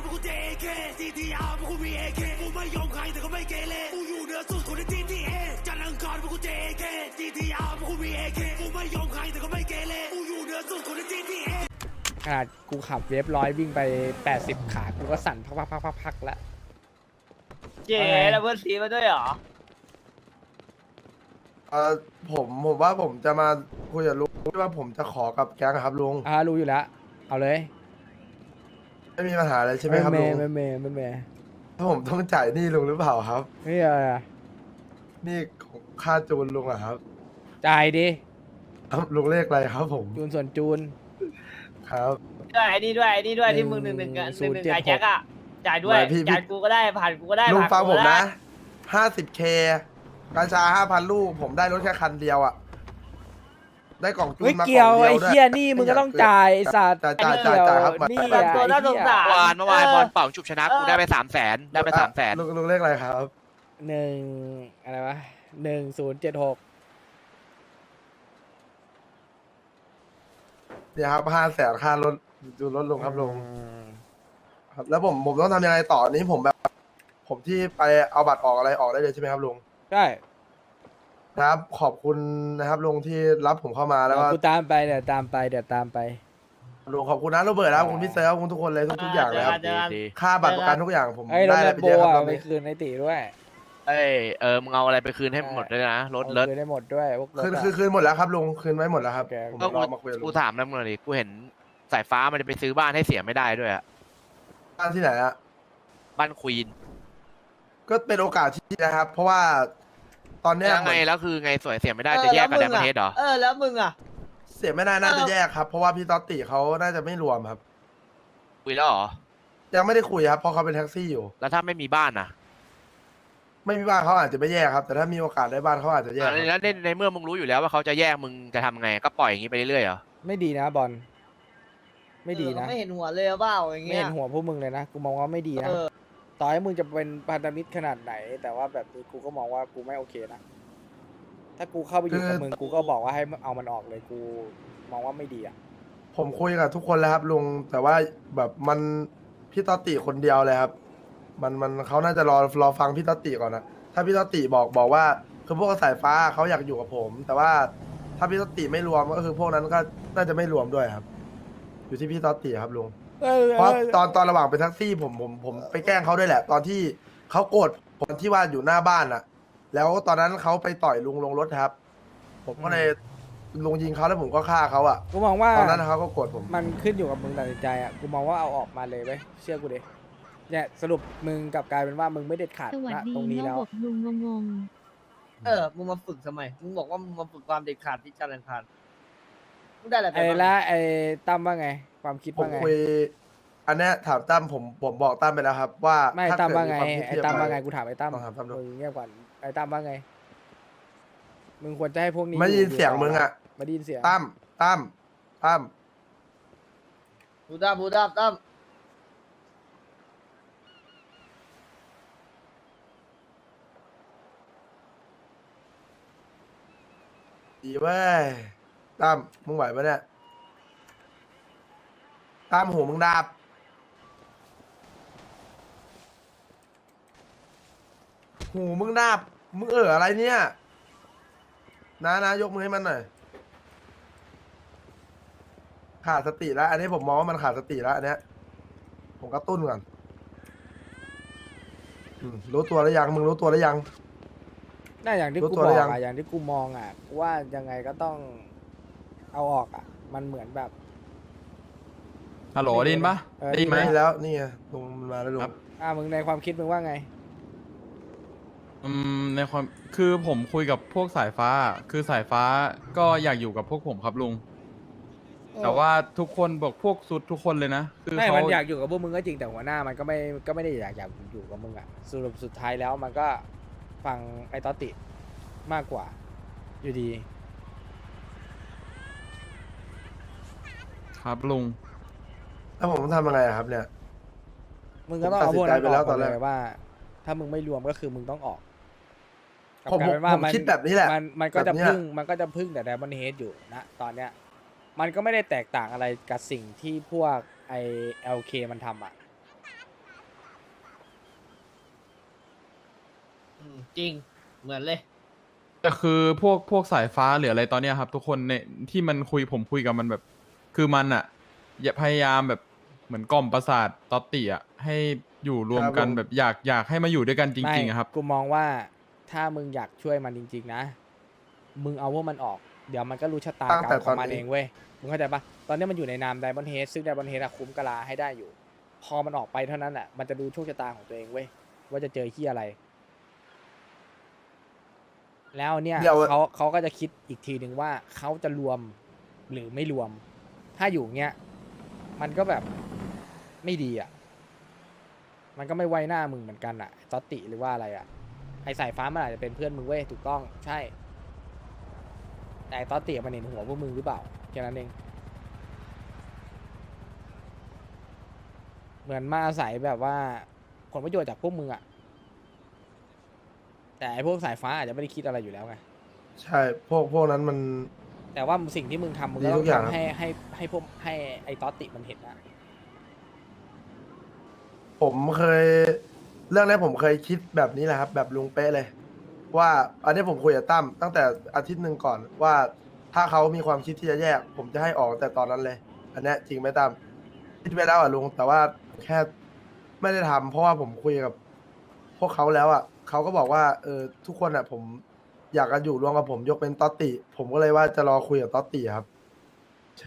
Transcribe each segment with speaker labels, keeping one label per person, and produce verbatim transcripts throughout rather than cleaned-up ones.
Speaker 1: กูเจเคซีทีอาร์พวกกูมีเอเคกูไม่ยอมใครแต่ก็ไม่เกเรกูอยู่เหนือสุดคนในทีทีเอจันทร์อังคารพวกกูเจเคซีทีอาร์พวกกูมีเอเคกูไม่ยอมใครแต่ก็ไม่เกเรกูอยู่เหนือสุดคนในทีทีเอ
Speaker 2: ขนาดกูขับเวฟร้อยวิ่งไปแปดสิบขากูก็สั่นพักพักพักพักพักแล้ว
Speaker 3: เจ๊แล้วเพื่อนซีมาด้วยเหรอ
Speaker 4: เออผมผมว่าผมจะมาคุยกับลุงว่าผมจะขอกับแก๊งอะครับลุง
Speaker 2: อ่ารู้อยู่แล้วเอาเลย
Speaker 4: ไม่มีปัญหาอะไรใช่ไหมครับลุง
Speaker 2: ไม่เมย์ไม่เมย์
Speaker 4: ถ้าผมต้องจ่ายหนี้ลุงหรือเปล่าครับ
Speaker 2: ไม่อะไรอะ
Speaker 4: หนี่ของค่าจูนลุงอะครับ
Speaker 2: จ่ายดิ
Speaker 4: ครับลุงเลขอะไรครับผม
Speaker 2: จูนส่วนจูน
Speaker 4: ครับ
Speaker 3: ด้วยไอ้นี่ด้วยไอ้นี่ด้วยที่มึงหนึ่งหนึ่งหนึ่งหนึ่งไอ้แจ็คอะจ่ายด้วยจ่ายกูก็ได้ผ่านกูก็ได้
Speaker 4: ลุงฟังผมนะ
Speaker 3: ได้
Speaker 4: ห้าสิบเคกัญชาห้าพันลูกผมได้รถแค่คันเดียวอะได้กล่องจูน
Speaker 2: ไม่
Speaker 4: มากล่อง
Speaker 2: เกี่ยว
Speaker 4: เดียว
Speaker 2: ไอ้
Speaker 4: ด้วย
Speaker 2: เฮียนี่มึงก็ต้องจ่ายไอ้สัตว์
Speaker 4: จ่ายจ่ายจ่ายจ่ายครับ
Speaker 2: นี่
Speaker 3: แบ
Speaker 2: อะ
Speaker 3: บตัวน่าสงสาร
Speaker 5: เมื่อวานเมื่อวานบอลเป่าฉุบชนะกูได้ไปสามแสนได้ไปสามแสน
Speaker 4: ลุงลุงเลขอะไรครับ
Speaker 2: หนึ่งอะไรวะหนึ่งศูนย์เจ็ดหก
Speaker 4: เนี่ยครับห้าแสนค่ารถจูนรถลุงครับลุงครับ แล้วผมผมต้องทำยังไงต่อนี้ผมแบบ ผมที่ไปเอาบัตรออกอะไรออกได้เลยใช่ไหมครับลุง
Speaker 2: ใช่
Speaker 4: ครับขอบคุณนะครับลุงที่รับผมเข้ามาแล้วก็
Speaker 2: กูตามไปเดี๋ยวตามไปเดี๋ยวตามไป
Speaker 4: ลุงขอบคุณนะโรเบิร์ตครับขอบคุณพี่เซลขอบคุณทุกคนเลยทุกทุกอย่างเลยครับ
Speaker 3: เจอกัน
Speaker 5: ดี
Speaker 4: ค่าบัตรประกันทุกอย่างผม
Speaker 2: ไอ้รถ
Speaker 4: ได้
Speaker 2: แล
Speaker 4: อะไร
Speaker 2: ม
Speaker 4: ไป
Speaker 2: โบ
Speaker 4: เยอะครับต
Speaker 2: อ่ะ
Speaker 4: อน
Speaker 2: ไป
Speaker 4: นี้
Speaker 2: คืนในตีด้วย
Speaker 5: เอ้ยเออมึงเอาอะไรไปคืนให้หมดเลยนะรถรถ
Speaker 2: คืนได้หมดด้วยพวกรถ
Speaker 4: คืน
Speaker 2: อะ
Speaker 4: คืนคืนหมดแล้วครับลุงคืนไว้หมดแล้วครับ
Speaker 2: โอเค
Speaker 4: ผม
Speaker 5: ก็
Speaker 4: ร
Speaker 5: กู
Speaker 4: อมาคุยกับลุ
Speaker 5: กู
Speaker 4: ง
Speaker 5: ถามแล้วมึงเลยกูเห็นสายฟ้ามันจะไปซื้อบ้านให้เสียไม่ได้ด้วยอะ
Speaker 4: บ้านที่ไหนอะ
Speaker 5: บ้านควีน
Speaker 4: ก็เป็นโอกาสที่ดีนะครับ เพราะว่าตอนเนี้ย
Speaker 5: ยังไงแล้วคือไงสวยเสียไม่ได้จะแยกกับ
Speaker 3: เอ
Speaker 5: แด
Speaker 3: อน
Speaker 5: ประเทศเหรอ
Speaker 3: เออแล้วมึงอะ
Speaker 4: เสียไม่ได้น่า
Speaker 3: เอ
Speaker 4: จะ
Speaker 3: อ
Speaker 4: แยกครับ เพราะว่าพี่ต๊อตติเขาน่าจะไม่รวมครับ
Speaker 5: คุยแล้วเหรอ
Speaker 4: ยังไม่ได้คุยครับเพราะเขาเป็นแท็กซี่อยู่
Speaker 5: แล้วถ้าไม่มีบ้านนะ
Speaker 4: ไม่มีบ้านเขาอาจจะไม่แยกครับ แต่ถ้ามีโอกาสได้บ้านเขาอาจจะแยก
Speaker 5: อ่ะ
Speaker 4: ครับ
Speaker 5: แล้วในในเมื่อมึงรู้อยู่แล้วว่าเขาจะแยกมึงจะทำไงก็ปล่อยอย่างนี้ไปเรื่อยๆเหรอ
Speaker 2: ไม่ดีนะบอลไม่ดีนะ
Speaker 3: เออไม่เห็นหัวเลยเปล่าอย่าง
Speaker 2: ไม่
Speaker 3: เงี้ย
Speaker 2: เห็นหัวพวกมึงเลยนะกูมองว่าไม่ดีนะ
Speaker 3: เออ
Speaker 2: ต่อให้มึงจะเป็นพันธมิตรขนาดไหน แต่ว่าแบบนี้กูก็มองว่ากูไม่โอเคนะถ้ากูเข้าไปอยู่กับมึงกูก็บอกว่าให้เอามันออกเลยกูมองว่าไม่ดีอ่ะ
Speaker 4: ผมคุยกับทุกคนแล้วครับลุงแต่ว่าแบบมันพี่ต๊อตติคนเดียวเลยครับ มันมันเขาน่าจะรอรอฟังพี่ต๊อตติก่อนนะถ้าพี่ต๊อตติบอกบอกว่าคือพวกสายฟ้าเขาอยากอยู่กับผม แต่ว่าถ้าพี่ต๊อตติไม่รวมก็คือพวกนั้นก็น่าจะไม่รวมด้วยครับ อยู่ที่พี่ต๊อตติครับลุง
Speaker 2: เออ
Speaker 4: เพราะตอนตอนระหว่างเป็นแท็กซี่ผมผมผมไปแกล้งเขาด้วยแหละ ตอนที่เขาโกรธผมที่ว่าอยู่หน้าบ้านอะแล้วตอนนั้นเขาไปต่อยลุงลงรถครับ ผมก็เลยลุงยิงเขาแล้วผมก็ฆ่าเขาอะ
Speaker 2: กูมองว่า
Speaker 4: ตอนนั้นเขาก็โกรธผม
Speaker 2: มันขึ้นอยู่กับมึงตัดสินใจอ่ะกูมองว่าเอาออกมาเลยเว้ยเชื่อกูดิเนี่ยสรุปมึงกลับกลายเป็นว่ามึงไม่เด็ดขาด
Speaker 6: สวัส
Speaker 2: นะ
Speaker 6: ดี
Speaker 2: ตรงนี้
Speaker 6: น
Speaker 2: แล้ว
Speaker 6: บกลุงงง
Speaker 3: เออมึงมาฝึกทำไมมึงบอกว่ามึงมาฝึกความเด็ดขาดที่จันทร์อังคารมึงได้อะไรไป
Speaker 2: ไอ้
Speaker 3: บ้าง
Speaker 2: ละไอ้ตั้มว่าไง ความคิด
Speaker 4: ผม
Speaker 2: ว่าไง
Speaker 4: คุย อันเนี้ยถามตั้มผมผมบอกตั้มไปแล้วครับ ว่า
Speaker 2: ไม่
Speaker 4: ถ้
Speaker 2: ตั้ม
Speaker 4: เกิด
Speaker 2: ว่าไง
Speaker 4: ควคิด
Speaker 2: ไอ้
Speaker 4: ที่จะ
Speaker 2: ตั้มว่า
Speaker 4: ป
Speaker 2: ไงกูถามไอ้ตั้ม
Speaker 4: ต้องถามตั้มดู
Speaker 2: มึงเงียบก่อนไอ้ตั้มว่าไงมึงควรจะให้พวกนี้
Speaker 4: ไม่ได้ยินเสียงมึงอะ
Speaker 2: ไม่ได้ยินเสียง
Speaker 4: ตั้มตั้มตั้ม
Speaker 3: บูดาบูดาตั้ม
Speaker 4: ดีเว้ยตั้มมึงไหวปะเนี่ยตั้มหูมึงดาบหูมึงดาบมึงเอออะไรเนี่ยนะนะยกมือให้มันหน่อยขาดสติแล้ว อันนี้ผมมองว่ามันขาดสติแล้วอันเนี้ยผมกระตุ้นก่อนอืมรู้ตัวแล้วยังมึงรู้ตัวแล้วยัง
Speaker 2: น่าอย่างที่
Speaker 4: รู้
Speaker 2: กู
Speaker 4: ตัว
Speaker 2: บ
Speaker 4: หรือ
Speaker 2: อ
Speaker 4: ยั
Speaker 2: ก
Speaker 4: ง
Speaker 2: อ่ะอย่างที่กูมองอ่ะว่ายังไงก็ต้องเอาออกอ่ะ มันเหมือนแบบ
Speaker 7: ฮัลโหลได้ยินปะ
Speaker 2: เออ
Speaker 7: ได้ยินไหม
Speaker 4: ไม่แล้วนี่ไงลุงมันมาแล้วลุง
Speaker 7: ครับ
Speaker 2: อ่ามึงในความคิดมึงว่าไง
Speaker 7: อืมในความคือผมคุยกับพวกสายฟ้า คือสายฟ้าก็อยากอยู่กับพวกผมครับลุง แต่ว่าทุกคนบอกพวกสุดทุกคนเลยนะคือ
Speaker 2: ไม่
Speaker 7: เขา
Speaker 2: มันอยากอยู่กับพวกมึงก็จริงแต่หัวหน้ามันก็ไม่ก็ไม่ได้อยากอยากอยู่กับมึงอ่ะสรุปสุดท้ายแล้วมันก็ฟังไอ้ตอติมากกว่า อยู่ดี
Speaker 7: ครับลุง
Speaker 4: แล้วผมต้องทำยังไงอะครับเนี่ย
Speaker 2: มึงก็ต้องเอาพวกนั้น
Speaker 4: ผมตัดสินใจไป
Speaker 2: อ
Speaker 4: แล้
Speaker 2: อ
Speaker 4: ว
Speaker 2: ก
Speaker 4: ตอน
Speaker 2: เล
Speaker 4: แรก
Speaker 2: ยว่า ถ้ามึงไม่รวมก็คือมึงต้องออกกลับ
Speaker 4: ผม
Speaker 2: กลายเป็นว่า
Speaker 4: ผมคิดแบบนี้แหละ
Speaker 2: มันมันก็จะ
Speaker 4: แบบเนี้ย
Speaker 2: พึ่งมันก็จะพึ่งแต่ไดมอนเฮดอยู่นะตอนเนี้ยมันก็ไม่ได้แตกต่างอะไรกับสิ่งที่พวกไอเอลเคมันทำอ่ะ
Speaker 3: มจริงเหมือนเลย
Speaker 7: แต่คือพวกพวกสายฟ้าหรืออะไรตอนเนี้ยครับ ทุกคนในที่มันคุยผมคุยกับมันแบบ คือมันอะอย่าพยายามแบบเหมือนกล่อมประสาทตอตติอะให้อยู่รวมกัน
Speaker 4: ครับผม
Speaker 7: แบบอยากอยากให้มาอยู่ด้วยกันจ
Speaker 2: ไม่
Speaker 7: ริงๆอะครับ
Speaker 2: กูมองว่าถ้ามึงอยากช่วยมันจริง ๆ นะ มึงเอาพวกมันออก เดี๋ยวมันก็รู้ชะตา
Speaker 4: ตั้ง
Speaker 2: กรร
Speaker 4: แต่
Speaker 2: มของมัน
Speaker 4: ตอนนี้
Speaker 2: เองเว้ย มึงเข้าใจปะตอนนี้มันอยู่ในนามไดมอนเฮดซึ่งไดมอนเฮดคุ้มกะลาให้ได้อยู่ พอมันออกไปเท่านั้นแหละมันจะดูโชคชะตาของตัวเองเว้ย ว่าจะเจอที่อะไร แล้วเนี่ย
Speaker 4: เดี๋ยว
Speaker 2: เขาเขาก็จะคิดอีกทีหนึ่งว่าเขาจะรวมหรือไม่รวม ถ้าอยู่เงี้ยมันก็แบบไม่ดีอ่ะ มันก็ไม่ไว้หน้ามึงเหมือนกันอ่ะตอตติหรือว่าอะไรอ่ะ ไอสายฟ้ามันอาจจะเป็นเพื่อนมึงเว้ยถูกต้องใช่ แต่ไอ้ตอตติมันเห็นหัวพวกมึงหรือเปล่าแค่นั้นเอง เหมือนมาอาศัยแบบว่าผลประโยชน์จากพวกมึงอ่ะ แต่ไอพวกสายฟ้าอาจจะไม่ได้คิดอะไรอยู่แล้วไง
Speaker 4: ใช่พวกพวกนั้นมัน
Speaker 2: แต่ว่าสิ่งที่มึงทำมึง
Speaker 4: ดี
Speaker 2: ก็ต้
Speaker 4: ทุ
Speaker 2: อง
Speaker 4: กอย่าง
Speaker 2: ทำให้ให้ให้พวกให้ไอ้ตอตติมันเห็นนะ
Speaker 4: ผมเคย เรื่องนี้ผมเคยคิดแบบนี้แหละครับ แบบลุงเป๊ะเลย ว่าอันนี้ผมคุยกับตั้มตั้งแต่อาทิตย์หนึ่งก่อนว่าถ้าเขามีความคิดที่จะแยก ผมจะให้ออกแต่ตอนนั้นเลย อันเนี้ยจริงไหมตั้มคิดไปแล้วอ่ะลุงแต่ว่าแค่ไม่ได้ทำเพราะว่าผมคุยกับ พวกเขาแล้วอ่ะเขาก็บอกว่าเออทุกคนอ่ะ ผมอยากจะอยู่รวมกับผมยกเป็นตอตติ ผมก็เลยว่าจะรอคุยกับตอตติครับ ใช่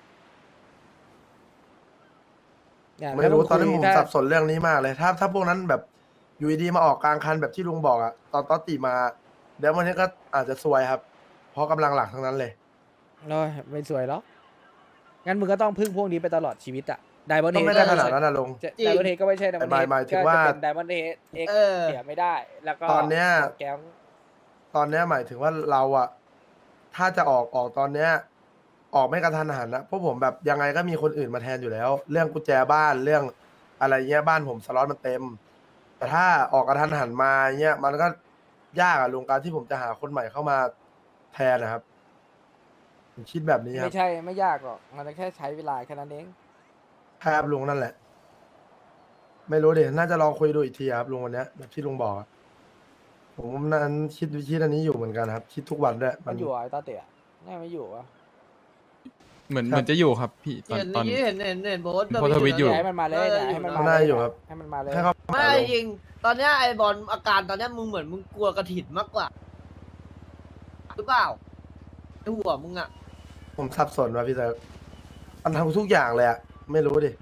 Speaker 2: เนี่ย
Speaker 4: ไม่รู้
Speaker 2: ถ้า
Speaker 4: ตอนนี้
Speaker 2: คุ
Speaker 4: ผ
Speaker 2: ย
Speaker 4: ม
Speaker 2: ถ้า
Speaker 4: สับสนเรื่องนี้มากเลย ถ้าถ้าพวกนั้นแบบอยู่ดีๆมาออกกลางคันแบบที่ลุงบอกอะตอนตอตติมา เดี๋ยววันนี้ก็อาจจะซวยครับ เพราะกำลังหลักทั้งนั้นเลย
Speaker 2: โอ้ยไม่สวยหรอกงั้นมึงก็ต้องพึ่งพวกนี้ไปตลอดชีวิตอะไดมอน
Speaker 4: ก็
Speaker 2: เฮด
Speaker 4: ไม่ได้ขนาดนั้นนะลุง
Speaker 3: จริง
Speaker 2: ไดมอนเฮดก็ไม่ใช่ไดมอน
Speaker 4: ห
Speaker 2: เฮ
Speaker 4: มาย
Speaker 2: ด
Speaker 4: หมายถึ
Speaker 2: ก็
Speaker 4: งว่า
Speaker 2: จะเป็นไดมอนเฮดเอ็ก
Speaker 3: เออ
Speaker 2: เสียไม่ได้ แล้วก็
Speaker 4: ตอนเนี้ย
Speaker 2: แก๊ง
Speaker 4: ตอนเนี้ยหมายถึงว่าเราอะถ้าจะออกออกตอนเนี้ย ออกไม่กระทันหันนะเพราะผมแบบยังไงก็มีคนอื่นมาแทนอยู่แล้ว เรื่องกุญแจบ้านเรื่องอะไรเงี้ยบ้านผมสล็อตมันเต็ม แต่ถ้าออกกระทันหันมาเงี้ยมันก็ยากอะลุงการที่ผมจะหาคนใหม่เข้ามาแทนนะครับผมคิดแบบนี้ครับ
Speaker 2: ไม่ใช่ไม่ยากหรอกมันแค่ใช้เวลาแค่นั้นเอง
Speaker 4: ใช่ครับลุงนั่นแหละ ไม่รู้ดิน่าจะลองคุยดูอีกทีครับลุงวันเนี้ยแบบที่ลุงบอกอะผมนั้นคิดคิดอันนี้อยู่เหมือนกันครับ คิดทุกวันด้วย
Speaker 2: มันอยู่เหรอไอ้ตอตติอะน่าไม่อยู่วะ
Speaker 7: เหมือน
Speaker 4: ครับ
Speaker 7: เหมือนจะอยู่ครับพี่ตอน
Speaker 3: เห็น
Speaker 7: ตอน
Speaker 3: นี้เห็นเห็นเห็นโบส
Speaker 7: โพสต์ทวิตอยู่
Speaker 2: ให้มันมาเลยเนี่ยให้มันมา
Speaker 4: น่า
Speaker 2: เลย
Speaker 4: อยู่ครับ
Speaker 2: ให้มันมาเลย
Speaker 4: ให้เขา
Speaker 3: ไม่จริง ตอนเนี้ยไอ้บอลอาการตอนเนี้ยมึงเหมือนมึงกลัวกระถิ่นมากกว่าหรือเปล่าไอ้หัวมึงอะ
Speaker 4: ผมสับสนว่ะพี่เซิร์ฟมันทำทุกอย่างเลยอะไม่รู้ดิ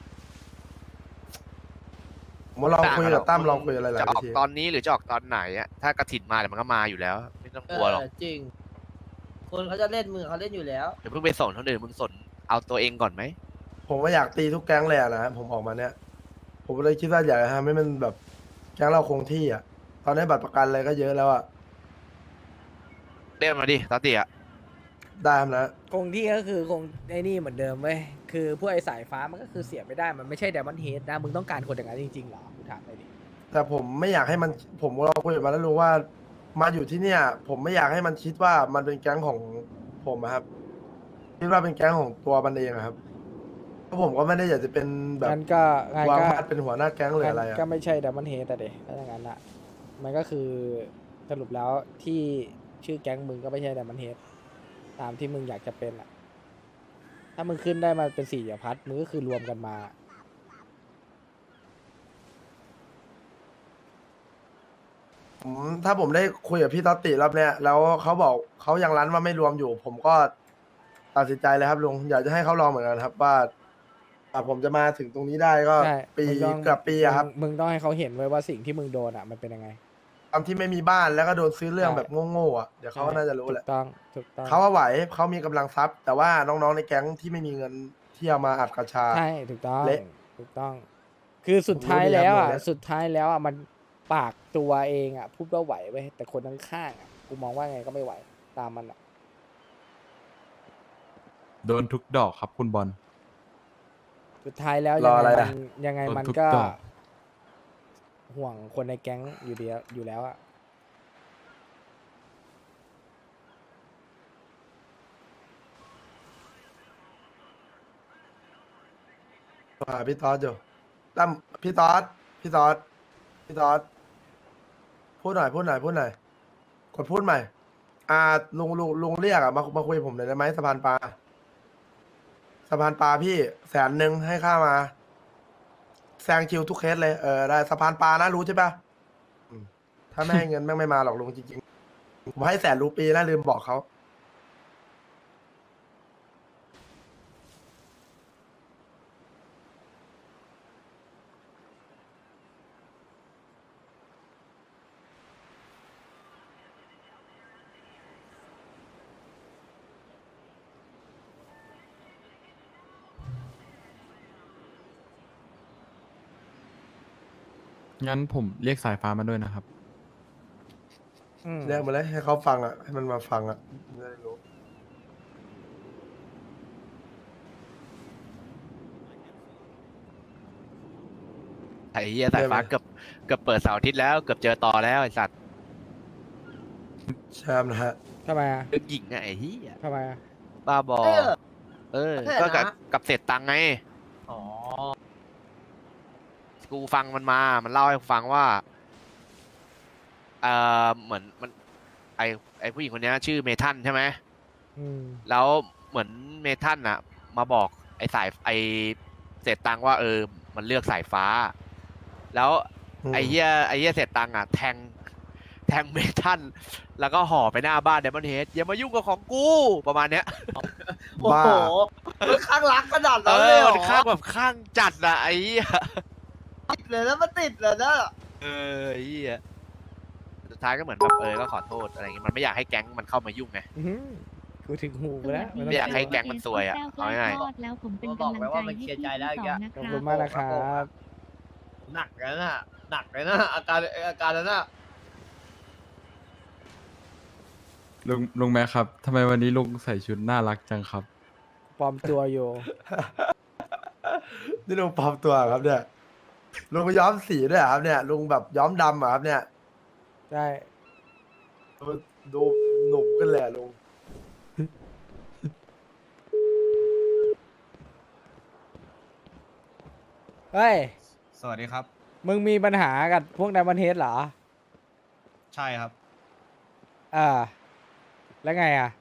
Speaker 4: ผมว่าลองคุยกับตั้มลองคุยอะไรหลาย
Speaker 5: จะอ
Speaker 4: วิ
Speaker 5: อก
Speaker 4: ธี
Speaker 5: ตอนนี้หรือจะออกตอนไหนอะถ้ากระถินมาเดี๋ยวมันก็มาอยู่แล้ว ไม่ต้องกลัวหรอก
Speaker 3: เออจริง คนเขาจะเล่นมือเขาเล่นอยู่แล้ว
Speaker 5: เดี๋ยวเพิ่งไปสนคนอื่นมึงสนเอาตัวเองก่อนไหม
Speaker 4: ผมว่าอยากตีทุกแก๊งเลยอะนะผมออกมาเนี้ยผมเลยคิดว่าอยากจะทำให้มันแบบแก๊งเราคงที่อะตอนนี้บัตรประกันอะไรก็เยอะแล้วอะ
Speaker 5: เรียกมาดิตอตติอะ
Speaker 4: ได้ครับนะ
Speaker 2: คงที่ก็คือคงไอ้นี่เหมือนเดิมเว้ยคือพวกไอ้สายฟ้ามันก็คือเสียไม่ได้มันไม่ใช่ไดมอนเฮดนะมึงต้องการคนอย่างนั้นจริงๆเหรอกูถามเลยดิ
Speaker 4: แต่ผมไม่อยากให้มันผมเราคุยกับมันแล้วรู้ว่ามาอยู่ที่เนี่ย ผมไม่อยากให้มันคิดว่ามันเป็นแก๊งของผมอะครับคิดว่าเป็นแก๊งของตัวมันเองอะครับเพราะผมก็ไม่ได้อยากจะเป็นแบบ
Speaker 2: งั้นก็งั้น
Speaker 4: วาง
Speaker 2: ก็
Speaker 4: มาดเป็นหัวหน้าแก๊งหรืออะไร
Speaker 2: งั้น
Speaker 4: อะ
Speaker 2: ก็ไม่ใช่ไดมอนเฮดแต่เด็ถ้าอย่างนั้นอ่ะมันก็คือสรุปแล้วที่ชื่อแก๊งมึงก็ไม่ใช่ไดมอนเฮดตามที่มึงอยากจะเป็นอ่ะ ถ้ามึงขึ้นได้มาเป็นสี่เหลี่ยมพัดมึงก็คือรวมกันมา
Speaker 4: ผมถ้าผมได้คุยกับพี่ต๊อตติรอบเนี้ยแล้วเขาบอกเขายังรั้นว่าไม่รวมอยู่ ผมก็ตัดสินใจเลยครับลุงอยากจะให้เขาลองเหมือนกันครับว่าอ่ะผมจะมาถึงตรงนี้ได้ก็
Speaker 2: ใช่
Speaker 4: ปี
Speaker 2: มึงต้อง
Speaker 4: เกับปีอะครับ
Speaker 2: มึงมึงต้องให้เขาเห็นไว้ว่าสิ่งที่มึงโดนอ่ะมันเป็นยังไง
Speaker 4: ตอนที่ไม่มีบ้านแล้วก็โดนซื้อเรื่อง
Speaker 2: ใช่
Speaker 4: แบบโง่ๆอ่ะเดี๋ยวเขาก็น่าจะรู้แหละ
Speaker 2: ถูกต้องถูกต้อง
Speaker 4: เขาว่าไหวเขามีกำลังทรัพย์ แต่ว่าน้องๆในแก๊งที่ไม่มีเงินที่เอามาอัดกระชา
Speaker 2: ใช่ถูกต้อง
Speaker 4: เละ
Speaker 2: ถูกต้อง คือสุดท้าย
Speaker 4: ผมรู้ดี
Speaker 2: แล้ว
Speaker 4: ครับ
Speaker 2: อ่ะ
Speaker 4: หมดแล้ว
Speaker 2: สุดท้ายแล้วอ่ะมันปากตัวเองอ่ะพูดว่าไหวไว้ยแต่คนข้างๆอ่ะกูมองว่าไงก็ไม่ไหวตามมันอ่ะ
Speaker 7: โดนทุกดอกครับคุณบอล
Speaker 2: สุดท้ายแล้ว
Speaker 4: ร
Speaker 2: ยั
Speaker 4: อง
Speaker 2: ไง
Speaker 4: อะไร
Speaker 2: มั
Speaker 4: อ่ะ
Speaker 2: นยังไง
Speaker 7: โดน
Speaker 2: มัน
Speaker 7: ทุก
Speaker 2: ก็
Speaker 7: ดอก
Speaker 2: ห่วงคนในแก๊งอยู่เดียวอยู่แล้วอ่ะ
Speaker 4: อ่าพี่ต๊อดอยู่ตั้มพี่ต๊อดพี่ต๊อดพี่ต๊อดพูดหน่อยพูดหน่อยพูดหน่อยกดพูดใหม่อ่าลุงลุงลุงเรียกอะมามาคุยกับผมหน่อยได้ไหมสะพานปลาสะพานปลาพี่แสนหนึ่งให้ค่ามาแซงคิวทุกเคสเลยเออได้สะพานปลานะรู้ใช่ปะอืมถ้าไม่ให้เงินแม่งไม่มาหรอกลุงจริงๆผมให้แสนรูปีนะลืมบอกเขา
Speaker 7: งั้นผมเรียกสายฟ้ามาด้วยนะครับ
Speaker 2: อืม
Speaker 4: เรียกมาเลยให้เขาฟังอ่ะให้มันมาฟังอ่ะจะได้รู้
Speaker 5: ไอ้เหี้ยสายฟ้าเกือบเกือบเปิดเสาร์อาทิตย์แล้วเกือบเจอต่อแล้วไอ้สัตว์
Speaker 4: แชมป์นะฮะ
Speaker 2: ทำไมอ่ะ
Speaker 5: เรื่องหญิงอะไอ้เหี้ย
Speaker 2: ทำไมอ่ะ
Speaker 5: บ้าบอ
Speaker 3: เออ
Speaker 5: เออ
Speaker 3: ใช่
Speaker 5: ก็กับ
Speaker 3: นะ
Speaker 5: กับเสร็จตังค์ไง
Speaker 3: อ๋อ
Speaker 5: กูฟังมันมา มันเล่าให้ฟังว่าเออเหมือนมันไอไอผู้หญิงคนเนี้ยชื่อเมทันใช่ไหม
Speaker 2: อืม
Speaker 5: แล้วเหมือนเมทันอะมาบอกไอสายไอเสร็จตังค์ว่าเออ มันเลือกสายฟ้า แล้ว
Speaker 4: อืม
Speaker 5: ไอเหี้ยไอเหี้ยเสร็จตังค์อะแทงแทงเมทันแล้วก็ห่อไปหน้าบ้านเดมอนเฮดอย่ามายุ่งกับของกูประมาณเนี้ย
Speaker 3: โอ้
Speaker 4: บ้า
Speaker 3: โหมันข้างรักขนาด
Speaker 5: เอ
Speaker 3: นั้นเลย
Speaker 5: อ
Speaker 3: เหร
Speaker 5: มัน
Speaker 3: อ
Speaker 5: ข้างแบบข้างจัดอะไอ้เหี้ย
Speaker 3: ติดเลยแล้วมันติดเลยนะ
Speaker 5: เออไอ้เหี้ยสุดท้ายก็เหมือนแบบเออก็ขอโทษอะไรเงี้ยมันไม่อยากให้แก๊งมันเข้ามายุ่งไง
Speaker 2: อื้อหือกูถึงหูไปแล้ว
Speaker 5: ไม่อยากให้แก๊งมันซวยอะ
Speaker 6: เอา
Speaker 5: เอาง่าย
Speaker 6: ๆแล้วผมเป็นกำลังใจให้พี่ทั้งสองนะ
Speaker 2: ขอบ
Speaker 6: ค
Speaker 2: คุ
Speaker 6: รั
Speaker 2: ณ
Speaker 6: บ
Speaker 2: มากนะครับ
Speaker 3: หนักเลยนะหนักเลยนะอาการอาการนั้นนะ
Speaker 7: ลุงลุงแม่ครับทำไมวันนี้ลุงใส่ชุดน่ารักจังครับ
Speaker 2: ปลอมตัวอยู่
Speaker 4: นี่ลุงปลอมตัวเหรอครับเนี่ยลุงไปย้อมสีด้วยเหรอครับเนี่ยลุงแบบย้อมดำเหรอครับเนี่ย
Speaker 2: ได้
Speaker 4: ดูดูหนุ่มขึ้นเลยอะลุง
Speaker 2: เฮ้ย
Speaker 8: สวัสดีครับ
Speaker 2: มึงมีปัญหากับพวกไดมอนเฮดเหรอ
Speaker 8: ใช่ครับ
Speaker 2: อ่า แล้วไงอ่ะ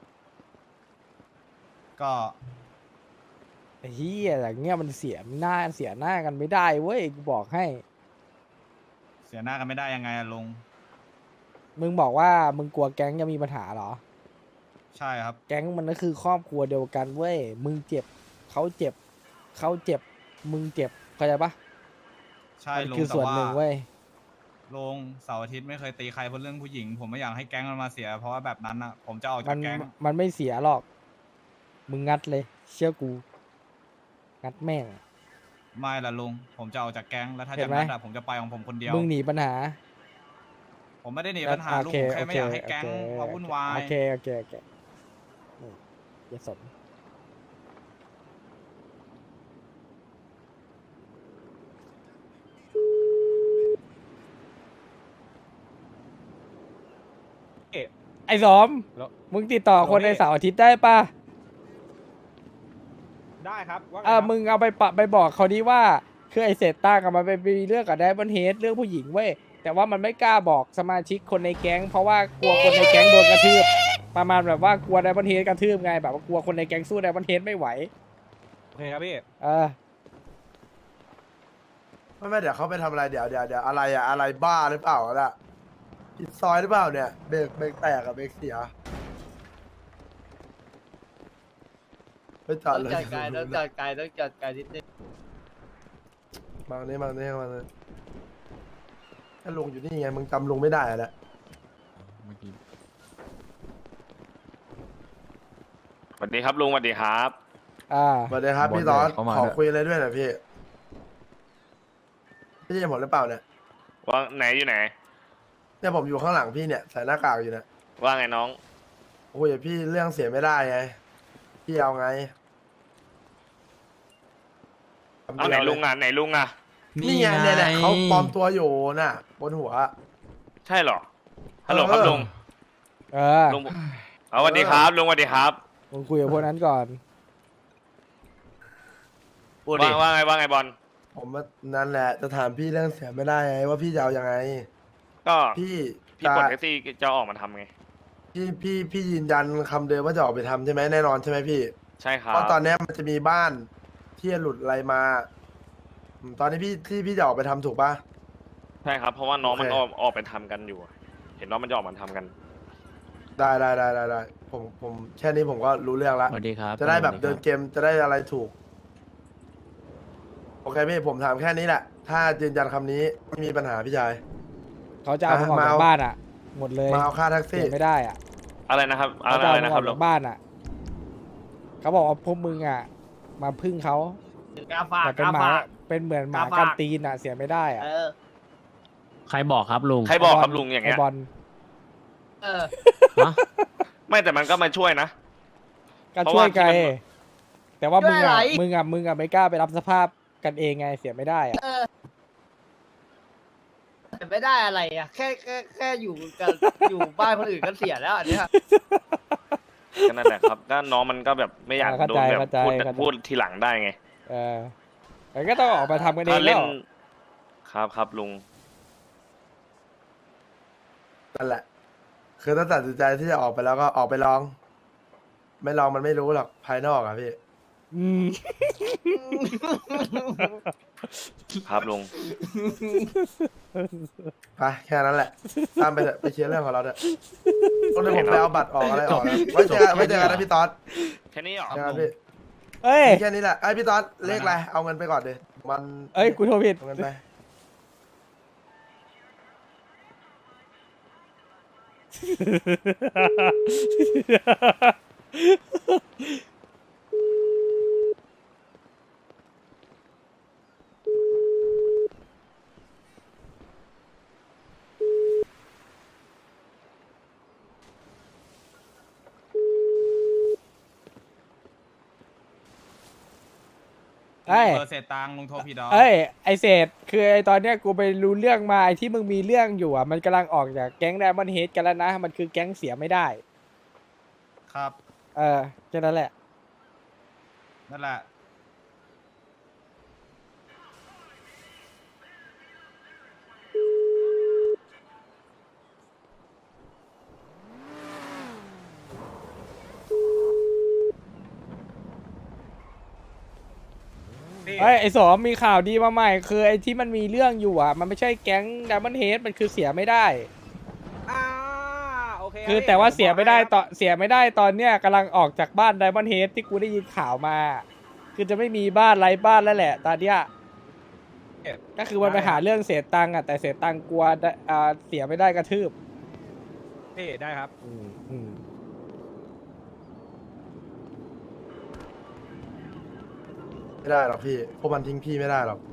Speaker 8: ก็
Speaker 2: ไอ้เฮียอย่างเงี้ยมันเสียหน้าเสียหน้ากันไม่ได้เว้ย กูบอกให้
Speaker 8: เสียหน้ากันไม่ได้ยังไงอะลุง
Speaker 2: มึงบอกว่ามึงกลัวแก๊งจะมีปัญหาเหรอ
Speaker 8: ใช่ครับ
Speaker 2: แก๊งมันก็คือครอบครัวเดียวกันเว้ย มึงเจ็บ เขาเจ็บ เขาเจ็บ มึงเจ็บ เข้าใจปะ
Speaker 8: ใช่
Speaker 2: มัน
Speaker 8: ลุง
Speaker 2: คือ
Speaker 8: แต่
Speaker 2: ส่วน
Speaker 8: ว่า
Speaker 2: หนึ่งเว้ย
Speaker 8: ลุงเสาร์อาทิตย์ไม่เคยตีใครเพราะเรื่องผู้หญิง ผมไม่อยากให้แก๊งมันมาเสีย เพราะว่าแบบนั้นอ่ะ ผมจะออก
Speaker 2: มั
Speaker 8: จาก
Speaker 2: น
Speaker 8: แก๊ง
Speaker 2: มันไม่เสียหรอก มึงงัดเลย เชื่อกู งัดแม่ง
Speaker 8: ไม่ละลุง ผมจะออกจากแก๊ง แล้วถ้า
Speaker 2: เห็
Speaker 8: จะ
Speaker 2: นไหม
Speaker 8: นัดอะผมจะไปของผมคนเดียว
Speaker 2: มึงหนีปัญหา
Speaker 8: ผมไม่ได้หนี
Speaker 2: แล้ว
Speaker 8: ปัญหาลุง
Speaker 2: โอเค
Speaker 8: ผมแค่ไม่อยากให้แก๊ง
Speaker 2: โอเค
Speaker 8: มาวุ่นวาย
Speaker 2: โอเค โอเค โอเคนี่อย่าสนไอ้สม มึงติดต่อคนในเสาร์อาทิตย์ได้ปะ
Speaker 9: ได้ครับว่าไง
Speaker 2: เออ
Speaker 9: ครับ
Speaker 2: มึงเอาไปปะไปบอกเขาดีว่า คือไอเศษต้ากับมันไปมีเรื่องกับไดมอนเฮดเรื่องผู้หญิงเว้ย แต่ว่ามันไม่กล้าบอกสมาชิกคนในแก๊ง เพราะว่ากลัวคนในแก๊งโดนกระทืบ ประมาณแบบว่ากลัวไดมอนเฮดกระทืบไง แบบว่ากลัวคนในแก๊งสู้ไดมอนเฮดไม่ไหว
Speaker 9: โอเคครับพี่
Speaker 2: เออ
Speaker 4: ไม่ไม่เดี๋ยวเขาไปทำอะไรเดี๋ยวเดี๋ยวเดี๋ยวอะไรอะอะไรบ้าหรือเปล่าล่ะผิดซอยหรือเปล่าเนี่ยเบรกเบรกแตกกับเบรกเสียไปจอ
Speaker 3: ต้
Speaker 4: ด
Speaker 3: อง
Speaker 4: เลย
Speaker 3: จัดการต้องจัดการต้องจัดการนิดนึง
Speaker 4: มาเนี่ยมาเนี่ยมาเนี่ยถ้าลุงอยู่นี่ไงมึงจำลุงไม่ได้อะแหละ
Speaker 7: เมื่อกี้
Speaker 10: สวัสดีครับลุงสวัสดีครับ
Speaker 2: อ่า
Speaker 4: สวัสดีครับพี่ตอนขอคุยอะไรด้วยหน่อยพี่พี่จะผมหรือเปล่าเนี่ย
Speaker 10: ว่าไหนอยู่ไหน
Speaker 4: เนี่ยผมอยู่ข้างหลังพี่เนี่ยใส่หน้ากากอยู่เนี่ย
Speaker 10: ว่าไงน้อง
Speaker 4: โอ้ยพี่เรื่องเสียไม่ได้ไงพี่เอาไง
Speaker 10: เอาไหนลุงอ่ะไหนลุงอ่ะ
Speaker 4: นี่ไงเนี่ยเนี่ยเขาปลอมตัวอยู่น่ะ บนหัว
Speaker 10: ใช่เหรอฮัลโหลครับลุง
Speaker 2: เออ
Speaker 10: ลุงเอาสวัสดีครับลุงสวัสดีครับ
Speaker 2: มึงคุยกับพวกนั้นก่อน
Speaker 5: พูดดิ
Speaker 10: ว่าว่าไงว่าไงบอล
Speaker 4: ผมว่านั่นแหละจะถามพี่เรื่องเสียไม่ได้ไงว่าพี่จะเอายังไง
Speaker 10: ก็
Speaker 4: พี่
Speaker 10: พี่ปลดแท็กซี่จะออกมาทำไง
Speaker 4: พี่พี่พี่ยืนยันคำเดิมว่าจะออกไปทำใช่ไหมแน่นอนใช่ไหมพี่
Speaker 10: ใช่ครั
Speaker 4: เพ
Speaker 10: บ
Speaker 4: ราะตอนเนี้ยมันจะมีบ้านที่หลุดอะไรมาอืมตอนนี้พี่ที่พี่จะออกไปทำถูกปะ
Speaker 10: ใช่ครับ เพราะว่าน้อง
Speaker 4: โอเค
Speaker 10: มันออกออกไปทำกันอยู่ เห็นน้องมันจะออกมาทำกัน
Speaker 4: ได้ได้ได้ได้ได้ผมผมแค่นี้ผมก็รู้เรื่องละ
Speaker 11: สวัสดีครับ
Speaker 4: จะได้แบบเดินเกมจะได้อะไรถูก โอเคพี่ผมถามแค่นี้แหละ ถ้ายืนยันคำนี้ไม่มีปัญหาพี่ชาย
Speaker 2: เขาจะเอามึงออก
Speaker 4: มา
Speaker 2: จาก
Speaker 4: เอา
Speaker 2: บ้านอ่ะ หมดเลย
Speaker 4: มาเอาค่าแท็ก
Speaker 2: เสี
Speaker 4: ซี่
Speaker 2: ยไม่ได้อ่ะ
Speaker 10: อะไรนะครับ อะ
Speaker 2: เขา
Speaker 10: ไร
Speaker 2: จะเอา
Speaker 10: อะไร
Speaker 2: มึ
Speaker 10: นะ
Speaker 2: งอ
Speaker 10: ครั
Speaker 2: อบ ก
Speaker 10: ลุ
Speaker 2: จาง กบ้านอ่ะเขาบอกว่าพวกมึงอ่ะ มาพึ่งเขา
Speaker 3: กาฝาก
Speaker 2: แต่เป็น
Speaker 3: กา
Speaker 2: หมา
Speaker 3: ฝาก
Speaker 2: เป็นเหมือนหมาก
Speaker 3: าฝาก
Speaker 2: กันตีนอ่ะเสียไม่ได้อ่ะ
Speaker 3: เออ
Speaker 11: ใครบอกครับลุง
Speaker 10: ใครบอกครับลุงอย่างเงี้ย
Speaker 2: ไบอล
Speaker 3: เออ
Speaker 11: ฮะ
Speaker 10: ไม่แต่มันก็มาช่วยนะ
Speaker 2: ก็
Speaker 10: เพราะ
Speaker 2: ช่วย
Speaker 10: ว่า
Speaker 2: ไกล
Speaker 10: ที่มัน
Speaker 2: แต่ว่ามึง
Speaker 3: ช่วยอะไร
Speaker 2: อ่ะมึงอ่ะมึงอ่ะไม่กล้าไปรับสภาพกันเองไงเสียไม่ได้อ่ะ
Speaker 3: เออแต่ไม่ได้อะไรอ่ะ แค่แค่แค่อยู่กับ อยู่บ้านคนอื่นก็เสียแล้วอันเนี้ย
Speaker 10: ก็นั่นแหละครับ ก็น้องมันก็แบบไม่อยาก
Speaker 2: เข้า
Speaker 10: โด
Speaker 2: ใจ
Speaker 10: นแบบ
Speaker 2: เข้าใจ
Speaker 10: พูด
Speaker 2: เข้าใจ
Speaker 10: พูดทีหลังได้ไง
Speaker 2: เออแต่ก็ต้องออกมาทำกันเอ
Speaker 10: ถ้าง
Speaker 2: แล้
Speaker 10: เล่น
Speaker 2: ว
Speaker 10: ครับครับลุง
Speaker 4: นั่นแหละ คือถ้าตัดสินใจที่จะออกไปแล้วก็ออกไปลอง ไม่ลองมันไม่รู้หรอกภายนอกอะพี่
Speaker 2: อืม
Speaker 10: ครับลุง
Speaker 4: ไปแค่นั้นแหละ ตามไปเถอะไปเคลียร์เรื่องของเราเถอะต้องเดี๋ยวผมไปเอาบัตรออกอะไรออกนะไว้เจอกันไว้เจอกันนะพี่ต๊อด
Speaker 10: แค่นี้เหรอ
Speaker 4: เจอกันพี่
Speaker 2: เอ้ย
Speaker 4: แค่นี้แหละไอ้พี่ต๊อดเลขอะไรเอาเงินไปก่อนดิมัน
Speaker 2: เอ้ยกูโทรผิด
Speaker 4: เอาเงินไป
Speaker 2: เอ้ย
Speaker 8: เบอร์เศษตังค์ลุงโทรผิดดอก
Speaker 2: เอ้ยไอเศษคือไอตอนเนี้ยกูไปรู้เรื่องมาไอที่มึงมีเรื่องอยู่อ่ะมันกำลังออกจากแก๊งไดมอนด์เฮดกันแล้วนะ มันคือแก๊งเสียไม่ได้
Speaker 8: ครับ
Speaker 2: เออแค่นั้นแหละ
Speaker 8: นั่นแหละ
Speaker 2: เอ้ยไอสมมีข่าวดีมาใหม่ คือไอที่มันมีเรื่องอยู่อ่ะ มันไม่ใช่แก๊งไดมอนด์เฮดมันคือเสียไม่ได้
Speaker 9: อ่าโอเค
Speaker 2: คือแต่ว่าเสียไม่ได้ตอนเสียไม่ได้ตอนเนี้ยกำลังออกจากบ้านไดมอนด์เฮดที่กูได้ยินข่าวมา คือจะไม่มีบ้านไร้บ้านแล้วแหละ ตอนเนี้ยก็คือมันไปหาเรื่องเสียตังค์อ่ะแต่เสียตังค์กลัวได้อ่าเสียไม่ได้กระทืบ
Speaker 9: พี่ได้ครับ
Speaker 2: อืมอืม
Speaker 4: ไม่ได้หรอกพี่พวกมันทิ้งพี่ไม่ได้หรอก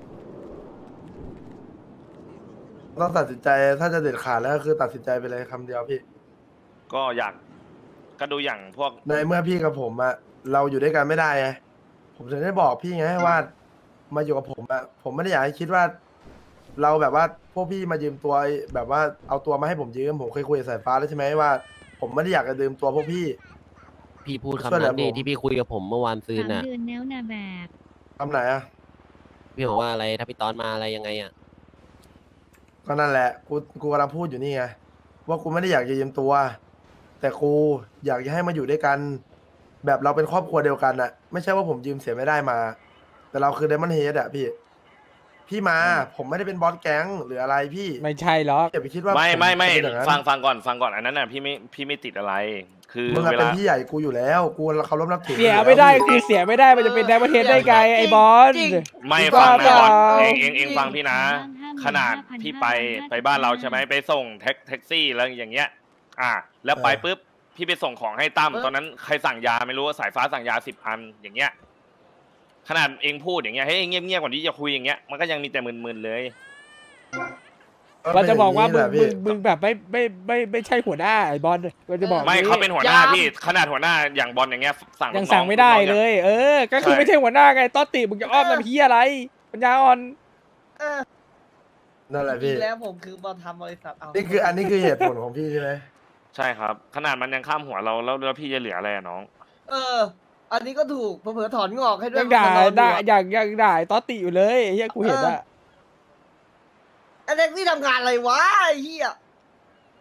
Speaker 4: ต้องตัดสินใจถ้าจะเด็ดขาดแล้วก็คือตัดสินใจไปเลยคำเดียวพี่
Speaker 10: ก็อยากก็ดูอย่างพวก
Speaker 4: ในเมื่อพี่กับผมอะเราอยู่ด้วยกันไม่ได้ไงผมถึงได้บอกพี่ไงว่ามาอยู่กับผมอะผมไม่ได้อยากให้คิดว่า เราแบบว่าพวกพี่มายืมตัวแบบว่าเอาตัวมาให้ผมยืมผมเคยคุยกับสายฟ้าแล้วใช่ไหมว่า ผมไม่ได้อยากจะยืมตัวพวกพี่
Speaker 11: พี่พูด
Speaker 4: ช่วย
Speaker 11: คำ
Speaker 4: เหลื
Speaker 11: นั้
Speaker 4: อน
Speaker 11: ดิ
Speaker 4: ผม
Speaker 11: ที่พี่คุยกับผมเมื่อวานซืน
Speaker 6: สาม
Speaker 11: น่ะ
Speaker 6: เดือนแล้วนะแบบ
Speaker 4: คำไหนอะ
Speaker 11: พี่บอกว่าอะไรถ้าพี่ตอนมาอะไรยังไงอ่ะ
Speaker 4: ก็นั่นแหละกูกูกำลังพูดอยู่นี่ไงว่ากูไม่ได้อยากจะยืมตัว แต่กูอยากจะให้มาอยู่ด้วยกัน แบบเราเป็นครอบครัวเดียวกันอะไม่ใช่ว่าผมยืมเสียไม่ได้มา แต่เราคือเดมอนเฮดอะพี่ พี่มา ผมไม่ได้เป็นบอสแก๊งหรืออะไรพี่
Speaker 2: ไม่ใช่หรอก
Speaker 4: อย่าไปคิดว่า
Speaker 10: ไม่ไม่ไม่
Speaker 4: ผจะเป็นอย่างนั้น
Speaker 10: ฟังฟังก่อนฟังก่อนอันนั้นน่ะพี่ไม่พี่ไม่ติดอะไร คือ
Speaker 4: มึงอะ
Speaker 10: เว
Speaker 4: เป็น
Speaker 10: ลา
Speaker 4: พี่ใหญ่กูอยู่แล้ว กูเขาล้มนับถือ
Speaker 2: เสีย
Speaker 4: อยู่แล้ว
Speaker 2: ไม่ได้คือเสียไม่ได้มันจะเป็นไดมอนด์เฮดได้ไงไอบอล
Speaker 3: จริง
Speaker 10: ไม่
Speaker 2: บ้า
Speaker 10: ฟังนะ
Speaker 2: เปล่า
Speaker 10: บอลเองเองเองฟังพี่นะ
Speaker 6: ห้าหมื่น
Speaker 10: ขนาด
Speaker 6: ห้าพัน
Speaker 10: พี่ไป
Speaker 6: ห้าร้อยห้าสิบ
Speaker 10: ไปบ้านเราใช่ไหมไปส่งแท็กแท็กซี่แล้วอย่างเงี้ย อ่า แล้วไปปุ๊บพี่ไปส่งของให้ตั้มตอนนั้นใครสั่งยาไม่รู้ว่าสายฟ้าสั่งยาสิบอันอย่างเงี้ย ขนาดเองพูดอย่างเงี้ยให้ยเงียบเงียบๆก่อนที่จะคุยอย่างเงี้ยมันก็ยังมีแต่มึนๆเลย
Speaker 2: เราจะบอกว่ามึง
Speaker 4: เป็นอย่
Speaker 2: มึงมึงแบบไม่ไม่ไม่ไม่ใช่หัวหน้าไอบอลเราจะบอก
Speaker 10: ไม่
Speaker 2: งี้
Speaker 10: เขาเป็นหัวหน้า
Speaker 3: ยัง
Speaker 10: พี่ขนาดหัวหน้าอย่างบอลอย่างเงี้ยสั่ง
Speaker 2: ยัง
Speaker 10: ลูกน้อ
Speaker 2: สั่งไม่ได้
Speaker 10: ลูกน้อง
Speaker 2: เล
Speaker 10: ง
Speaker 2: ย เออ ก็คือ
Speaker 10: ใช่
Speaker 2: ไม่ใช่หัวหน้าไงต้อติมึงจะอ้อม
Speaker 3: เออ
Speaker 2: ลำเฮียอะไรปัญญาอ่อน
Speaker 3: เออ
Speaker 4: นั่นแหละ
Speaker 3: จริ
Speaker 4: พี่
Speaker 3: งแล้วผมคือมาทำบริษัทเอา
Speaker 4: นี่คืออันนี้คือเหตุผลของพี่ใช่ไหม
Speaker 10: ใช่ครับ ขนาดมันยังข้ามหัวเราแล้วแล้วพี่จะเหลืออะไรอะน้อง
Speaker 3: เออ อันนี้ก็ถูกเผื่อๆถอนงอกให้ด้วย
Speaker 2: ยังด่า
Speaker 3: มันนอนอยู่
Speaker 2: ด่า
Speaker 3: อะ
Speaker 2: อย่างยังด่าไอ้ต้อติอยู่เลยไอ้เฮียกูเห็นอะ
Speaker 3: ไอ้เด็กที่ทำงานอะไรวะไอ้เหี้ย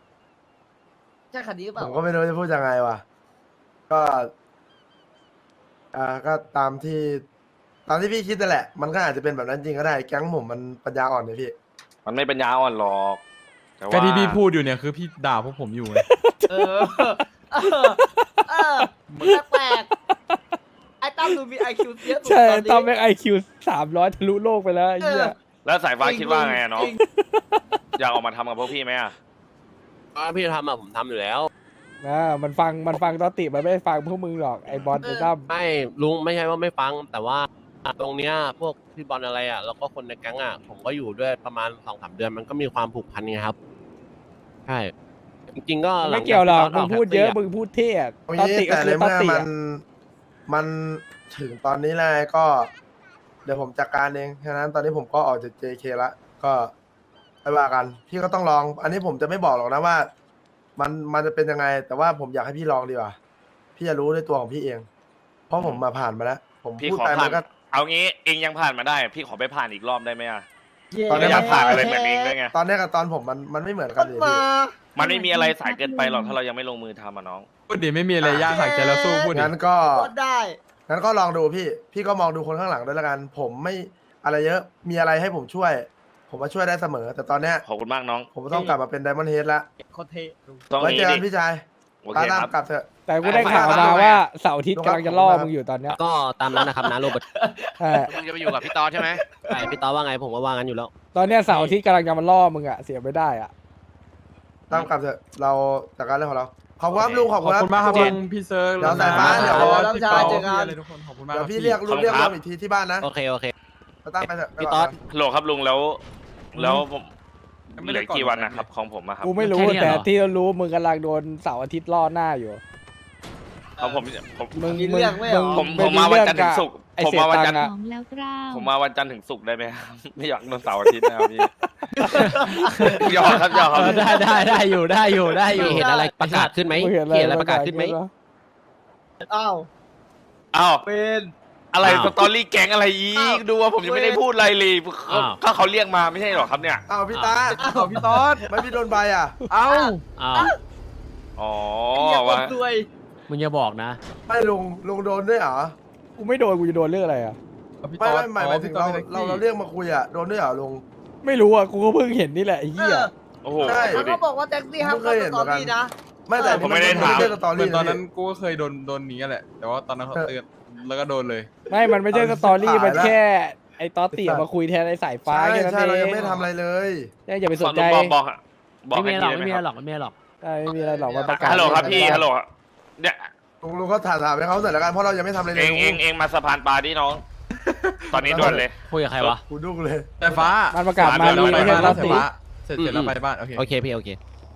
Speaker 3: ใช่คันนี้หรือเป
Speaker 4: ผ
Speaker 3: ล่าม
Speaker 4: ก็ไม่รู้จะพูดยังไงวะก็อ่าก็ตามที่ตามที่พี่คิดนั่นแหละ มันก็อาจจะเป็นแบบนั้นจริงก็ได้แก๊งผมมันปัญญาอ่อนเนี่ยพี่
Speaker 10: มันไม่ปัญญาอ่อนหรอกแต่
Speaker 7: ก็
Speaker 10: ว่า
Speaker 7: ที่พี่พูดอยู่เนี่ยคือพี่ด่าพวกผมอยู่ไง
Speaker 3: เออเออเออแปลกๆไอ้ตั้มดูมีไอคิวเยอะสุด
Speaker 2: ใช่
Speaker 3: ตอนนี้
Speaker 2: ตอนแม็กไอคิวสามร้อยทะลุโลกไปแล้วไอ้เหี้ย
Speaker 10: แล้วสายฟ้า
Speaker 3: จริง
Speaker 10: คิดว่าไงอะน้อง
Speaker 3: จริง
Speaker 10: อยากออกมาทำกับพวกพี่ไหมอะ
Speaker 11: ถ้าพี่จะทำอะผมทำอยู่แล้ว
Speaker 2: นะมันฟังมันฟังตอติมันไม่ฟังพวกมึงหรอกไอ้บอลไอ้ตั้ม
Speaker 11: ไม่ลุงไม่ใช่ว่าไม่ฟัง แต่ว่าตรงเนี้ยพวกพี่บอลอะไรอ่ะแล้วก็คนในแก๊งอ่ะผมก็อยู่ด้วยประมาณสองสามเดือนมันก็มีความผูกพันไงครับใช่จริงๆก็ลั
Speaker 2: ไม่
Speaker 11: งจา
Speaker 2: เกี่ยวหรอก
Speaker 11: ที่
Speaker 2: มึ
Speaker 11: ต
Speaker 2: งพูดเยอะ
Speaker 11: แท็กซี่
Speaker 2: มึงพูดเท่อะ
Speaker 4: เอา
Speaker 2: ตอ
Speaker 4: งี้
Speaker 2: ติก็
Speaker 4: แต่
Speaker 2: คื
Speaker 4: ใน
Speaker 2: อตอ
Speaker 4: เมื่อ
Speaker 2: ติ
Speaker 4: มั
Speaker 2: อะ
Speaker 4: นมันถึงตอนนี้แล้วก็ เดี๋ยวผมจัดการเองฉะนั้นตอนนี้ผมก็ออกจาก เจ เค ละก็ไปว่ากัน พี่ก็ต้องลอง อันนี้ผมจะไม่บอกหรอกนะว่า มันมันจะเป็นยังไง แต่ว่าผมอยากให้พี่ลองดีกว่า พี่จะรู้ในตัวของพี่เอง เพราะผมมาผ่านมาแล้ว ผม
Speaker 10: พี่
Speaker 4: พูด
Speaker 10: ขอ
Speaker 4: ไป
Speaker 10: ผ่า
Speaker 4: มัน นก็
Speaker 10: เอางี้เองยังผ่านมาได้ พี่ขอไปผ่านอีกรอบได้ไหมอะ
Speaker 4: ตอนนี้
Speaker 10: ไม่อยากผ่านอะไรเหมือนเองด้วยไง
Speaker 4: ตอนนี้กับตอนผมมันมันไม่เหมือนกันเลย
Speaker 3: มา
Speaker 4: พี่
Speaker 10: มันไม่มีอะไรสายเกินไปหรอกถ้าเรายังไม่ลงมือทำอะน้อง
Speaker 7: พูดดิไม่มีอะไรยากหักใจแล้วสู้พูดดิ
Speaker 4: งั้นก็
Speaker 3: ก็ได้
Speaker 4: งั้นก็ลองดูพี่ พี่ก็มองดูคนข้างหลังด้วยละกัน ผมไม่อะไรเยอะ มีอะไรให้ผมช่วย ผมมาช่วยได้เสมอ แต่ตอนเนี้ย
Speaker 10: ขอบคุณมากน้อง
Speaker 4: ผมต้องกลับมาเป็นไดมอนด์เฮดละ
Speaker 3: โคตรเท่ลุง
Speaker 10: ต้อง
Speaker 4: ไว้
Speaker 10: นี้
Speaker 4: เจอกั
Speaker 10: ดิ
Speaker 4: นพี่ชาย
Speaker 10: โอเค
Speaker 4: ตาตาม
Speaker 10: ครับ
Speaker 4: กลับเถอะ
Speaker 2: แต่กูได้ข่าวมาว่าเสาร์อาทิตย์กำลังจะล่อมึงอยู่ตอนเนี้ย
Speaker 11: ก็ตามนั้นนะครับนะโรเบิร์ต
Speaker 2: ใช่
Speaker 5: มึงจะไปอยู่กับพี่ตอนใช่ไหม
Speaker 11: ใช่พี่ต้อว่าไงผมก็ว่างั้นอยู่แล้ว
Speaker 2: ตอนเนี้ยเสาร์อาทิตย์กำลังจะมาล่อมึงอะเสียไม่ได้อะ
Speaker 4: ตามกลับเถอะ เราจัดการเรื่องของเรา ขอบคุณครับลุงขอบ
Speaker 7: ขอบ
Speaker 4: คุณ
Speaker 7: คุณมากครับ
Speaker 4: ทุ
Speaker 7: ลุ
Speaker 4: น
Speaker 7: งพี่เซิร์ฟ
Speaker 4: เดี๋ยวสายฟ้าเดี๋ยว
Speaker 7: พี่เปาพี่อะไรทุกคนขอบคุณมาก
Speaker 4: เดี๋ยว
Speaker 7: คบ
Speaker 4: พี่เรียกลุงเรียกรวมอีกทีที่บ้านนะ
Speaker 11: โอเคโอเค
Speaker 4: เราตั้งไปเถอะ
Speaker 11: พี่ต๊อด
Speaker 10: ฮัลโหลครับลุงแล้ว แล้วผมเหลือกี่วันนะครับของผมอะครับ
Speaker 2: กูไม่รู้แต่ที่รู้มึงกำลังโดนเสาร์อาทิตย์ล่อหน้าอยู่
Speaker 10: ของผมผม
Speaker 2: มึง
Speaker 3: มี
Speaker 2: มึง
Speaker 3: เรื่องไหมเหรอ
Speaker 2: ง
Speaker 10: ผม
Speaker 2: ง
Speaker 10: ผมมาวันจันทร์ถึงศุกร์
Speaker 2: ไอ้
Speaker 10: ผม
Speaker 2: เสีย
Speaker 10: มาวัน
Speaker 2: ตั
Speaker 10: จัน
Speaker 2: ง
Speaker 10: ทร์
Speaker 2: ค์อะ
Speaker 6: ของแล้วกล้าว
Speaker 10: ผมมาวันจันทร์ถึงศุกร์ได้ไหมครับ ไม่อยากโดนเสาร์อาทิตย์นะครับพี่ หยอกครับหยอกครับ
Speaker 11: ได้ได้ได้อยู่ได้อยู่ได้อยู่เห็นอะไรประกาศขึ้นไหม
Speaker 2: มึงเห็นอะไร
Speaker 11: เห็นอะไรประกาศขึ้นไหม
Speaker 3: อ้าว
Speaker 10: อ้าว
Speaker 3: เป็น
Speaker 10: อะไร
Speaker 11: อ้าว
Speaker 10: สตอรี่แก๊งอะไรอี
Speaker 3: อ้าว
Speaker 10: กดูว่าผมยังไม่ได้พูดอะไรเลยเขา
Speaker 11: อ้าว
Speaker 10: ก็เขาเรียกมาไม่ใช่หรอครับเนี่ย
Speaker 4: อ้าวพี่ตา
Speaker 3: อ้าว
Speaker 4: พี่ต๊อดไม่พี่โดนใบอ่ะ
Speaker 7: เอ้า
Speaker 11: อ้าว
Speaker 10: อ๋อ
Speaker 3: ไอ้เหี้ยค
Speaker 10: ว่าน
Speaker 3: ซวย
Speaker 11: มึงอย่าบอกนะ
Speaker 4: ไม่ลุงลุงโดนด้วยเหรอ
Speaker 2: กูไม่โดนกูจะโดนเรื่องอะไรอะ
Speaker 7: พี่
Speaker 4: ไม่
Speaker 7: ต๊อ
Speaker 4: ไม่
Speaker 7: ด
Speaker 4: หมายหมายถึงเรา
Speaker 7: อ๋อพี่ต๊
Speaker 4: เรา
Speaker 7: อด
Speaker 4: เราเรียกมาคุยอ่ะโดนด้วยเหรอลุง
Speaker 2: ไม่รู้อะกูก็เพิ่งเห็นนี่แหละไอ้
Speaker 3: เอ
Speaker 2: เหี้ย
Speaker 3: อ
Speaker 10: โอ้โห
Speaker 4: ใช่
Speaker 10: ดู
Speaker 3: เขา
Speaker 10: ดิ
Speaker 3: ก็บอกว่าแท็กซี่ห้าม
Speaker 4: ผมเค
Speaker 3: เข้าย
Speaker 4: เห็
Speaker 3: ส
Speaker 4: น
Speaker 3: ตอ
Speaker 4: เหมือนกัน
Speaker 3: รี่นะ
Speaker 4: ไม่แต่
Speaker 10: ผมไม่ได้ถาม
Speaker 4: นเป็นสตอ
Speaker 7: เหมื
Speaker 4: รี่
Speaker 7: อนตอนนั้น
Speaker 4: พี่
Speaker 7: กูก็เคยโดนโดนนี้แหละ แต่ว่าตอนนั้นเขาเตือนแล้วก็โดนเลย
Speaker 2: ไม่มันไม่ใช่สตอรี่มันแค่ไอ้ตอติมาคุยแทนไอ้สายฟ้า
Speaker 4: ใช่
Speaker 2: แค่นั้น
Speaker 4: ใช่
Speaker 2: เอ
Speaker 4: เรา
Speaker 2: ง
Speaker 4: ยังไม่ทำอะไรเลย
Speaker 2: เนี่ยอย่าไปส
Speaker 10: ขอน
Speaker 2: ใจ
Speaker 10: บอกบอกอะบอก
Speaker 11: ไม่
Speaker 10: ให้
Speaker 11: มี
Speaker 10: พี่
Speaker 11: หรอก
Speaker 10: ได้ไหม
Speaker 11: ไม่มี
Speaker 10: ค
Speaker 11: หร
Speaker 10: รั
Speaker 11: อบ กไม่มีหรอก
Speaker 2: ใช่ไม่มีอะไรหรอกมาประกาศ
Speaker 10: ฮัลโหลครับพี่ฮัลโหลเนี่ย
Speaker 4: ลุงลุงก็ถามถามให้เขาหน่อยละกันเพราะเรายังไม่ทำอะไรเล
Speaker 10: เอย ง
Speaker 4: ลุ
Speaker 10: เองเองมาสะพานปลาดิน้อง ตอนนี้ด่วนเลย
Speaker 11: คุยกับใครวะ
Speaker 4: กูดุ้งเลย
Speaker 7: แต่ฟ้า
Speaker 2: มันประกาศมา
Speaker 10: เดี๋
Speaker 2: ดี
Speaker 10: ยว
Speaker 2: ไม่
Speaker 10: เรา
Speaker 2: ใช่
Speaker 10: ไป
Speaker 2: ต
Speaker 7: บ้า
Speaker 2: อน
Speaker 7: สาย
Speaker 2: ติ
Speaker 7: ฟ้าเสร็จเสร็จแล้ว
Speaker 11: อืม
Speaker 7: ไปบ้านโอเค
Speaker 11: โอเคพี่โอเค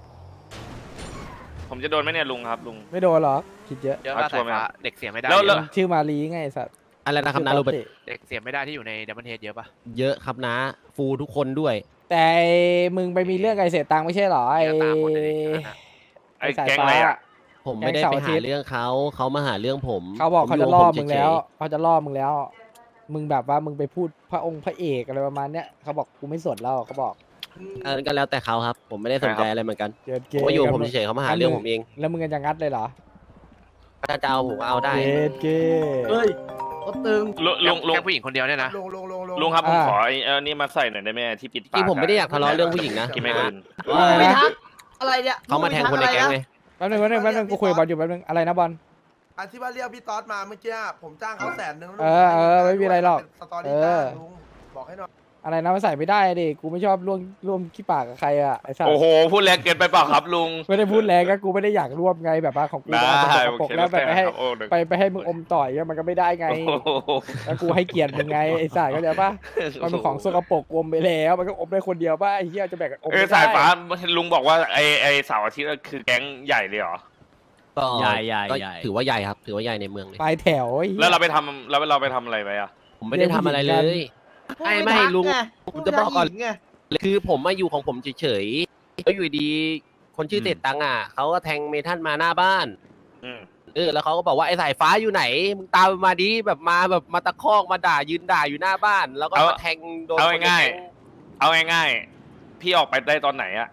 Speaker 10: ผมจะโดนไหมเนี่ยลุงครับลุง
Speaker 2: ไม่โดนหรอกคิดเยอะ
Speaker 5: เยอะ
Speaker 10: เอา
Speaker 5: มาก
Speaker 10: ชัวร์ไหม
Speaker 5: สาย
Speaker 10: ครั
Speaker 5: ฟ้า
Speaker 10: บ
Speaker 5: เด็กเสียไม่ได้
Speaker 10: แล้ว
Speaker 5: เย
Speaker 10: แล้ว
Speaker 5: อะปะ
Speaker 2: ชื่อมาลีไงไอ้สัตว์
Speaker 11: อะไรนะครับ
Speaker 2: ชื่
Speaker 11: นะโร
Speaker 2: ตอ
Speaker 11: เบิร์ต
Speaker 2: ติ
Speaker 5: เด็กเสียไม่ได้ที่อยู่ในดับเบิลเฮดเยอะปะ
Speaker 11: เยอะครับนะ ฟูทุกคนด้วย
Speaker 2: แต่มึงไปมีเรื่องไอ้เสียตังค์ไม่ใช่เหรอไอ้
Speaker 5: เยอะตามหมดเลยดิอันนั้นน่ะ
Speaker 10: ไอ้
Speaker 2: สาย
Speaker 10: แก๊ง
Speaker 2: ฟ้า
Speaker 10: อะไรอ่ะ
Speaker 11: ผมไม่ได้
Speaker 2: แก๊ง
Speaker 11: ไป
Speaker 2: เสาร์อาทิ
Speaker 11: หา
Speaker 2: ตย์
Speaker 11: เรื่องเขาเขามาหาเรื่องผม
Speaker 2: เขาบอก
Speaker 11: ผ
Speaker 2: เขา
Speaker 11: ยู่
Speaker 2: จะ
Speaker 11: ข
Speaker 2: ล่อ
Speaker 11: ผ
Speaker 2: มึง
Speaker 11: เฉยๆ
Speaker 2: แล้วเขาจะล่อมึงแล้ว มึงแบบว่ามึงไปพูดพระองค์พระเอกอะไรประมาณเนี้ยเขาบอกกูไม่สนแล้วเขาบอก
Speaker 11: อันนั้นก็แล้วแต่เขาครับ ผมไม่ได้สนใจอะไรเหมือนกัน
Speaker 2: เกิดเก
Speaker 11: ผมก็อยู่ของผมเฉยๆเขามาหาเรื่องผมเอง
Speaker 2: แล้วมึงจะงัดเลยเหรอ
Speaker 11: ถ้าจะเอาผมก็เอาได้
Speaker 2: เกิดเก
Speaker 3: เฮ้ยเขาตึง
Speaker 10: ลุงลุงลุง
Speaker 5: แค่ผู้หญิงคนเดียวเนี่ยนะ
Speaker 4: ลุงลุงลุงลุง
Speaker 10: ลุงครับผม
Speaker 2: อ่า
Speaker 10: ขอไอ้เออนี่มาใส่หน่อยได้ไหมที่ปิดปาก
Speaker 11: จริงผมไม่ได้อยากทะเลาะเรื่องผู้หญิงนะ
Speaker 10: ที่ไม่อื่น
Speaker 2: ว่าอะไร
Speaker 3: ไม่
Speaker 2: นะ
Speaker 3: ทักอะไรเนี่ย
Speaker 11: เขามาแทงคนในแก๊งไง
Speaker 2: แป๊บนึงแป๊บนึงแป๊บนึงกูคุยกับบอลอยู่แป๊บนึงอะไรนะบอล
Speaker 4: อันที่ว่าเรียกพี่ต๊อดมาเมื่อกี้ผมจ้างเขาแสนหนึ่ง
Speaker 2: เออเออไม่มีอะไรหรอก
Speaker 4: สตอรี่จ้างลุงบอกให้หน่อย
Speaker 2: อะไรนะมันใส่ไม่ได้ดิกูไม่ชอบร่วมร่วมขี้ปากกับใครอ่ะไอ้สัส
Speaker 10: โอ้โหพูดแรงเกินไปเปล่าครับลุง
Speaker 2: ไม่ได้พูดแรงก็กูไม่ได้อยากร่วมไงแบบว่าของกู
Speaker 10: ได้
Speaker 2: เอาแต่สกปรก
Speaker 10: โอเค
Speaker 2: แล้วไปไปให้
Speaker 10: ครับโอ้เดี๋ยว
Speaker 2: ไปไปให้มึงอมต่อยมันก็ไม่ได้ไง
Speaker 10: โอ้โห
Speaker 2: แล้วกูให้เกียรติมึงไงไอ้สัสเข้าใจปะมันเป็นของสกปรกอมไปแล้วมันก็อมได้คนเดียวป่ะไอ้เหี้ยจะแบ่งกันอม
Speaker 10: เออ
Speaker 2: ไม่ได้
Speaker 10: สายฟ้าลุงบอกว่าไอ้ไอ้เสาร์อาทิตย์คือแก๊งใหญ่เลยเหรอ
Speaker 11: ก็
Speaker 5: ใหญ่ใหญ่
Speaker 11: ก็
Speaker 5: ใหญ่
Speaker 11: ถือว่าใหญ่ครับ ถือว่าใหญ่ในเมืองเลย
Speaker 2: ปลายแถวไอ้หี้ย
Speaker 10: แล้วเราไปทำแล้วเราไปทำอะไรไปอ่ะ
Speaker 11: ผมไม่ได้ทำอะไรเลย ไม่ไม่
Speaker 3: ทัก
Speaker 11: ลุง
Speaker 3: ไ
Speaker 11: ผมจะบอกก่อน
Speaker 3: ผู้ชายหญิงไง
Speaker 11: คือผมมาอยู่ของผมเฉยๆแล้วอยู่ดีคนชื่อ
Speaker 10: อืม
Speaker 11: เศษตังค์อ่ะเขาก็แทงเมทันมาหน้าบ้าน
Speaker 10: อืม
Speaker 11: เออแล้วเขาก็บอกว่าไอ้สายฟ้าอยู่ไหนมึงตามมาดิแบบมาแบบมาตะคอกมาด่ายืนด่าอยู่หน้าบ้าน แล้วก็
Speaker 10: เอา
Speaker 11: มาแทงโดน
Speaker 10: เอา
Speaker 11: คนใน
Speaker 10: ง่าย
Speaker 11: แก๊ง
Speaker 10: เอาง่ายๆพี่ออกไปได้ตอนไหนอ่ะแค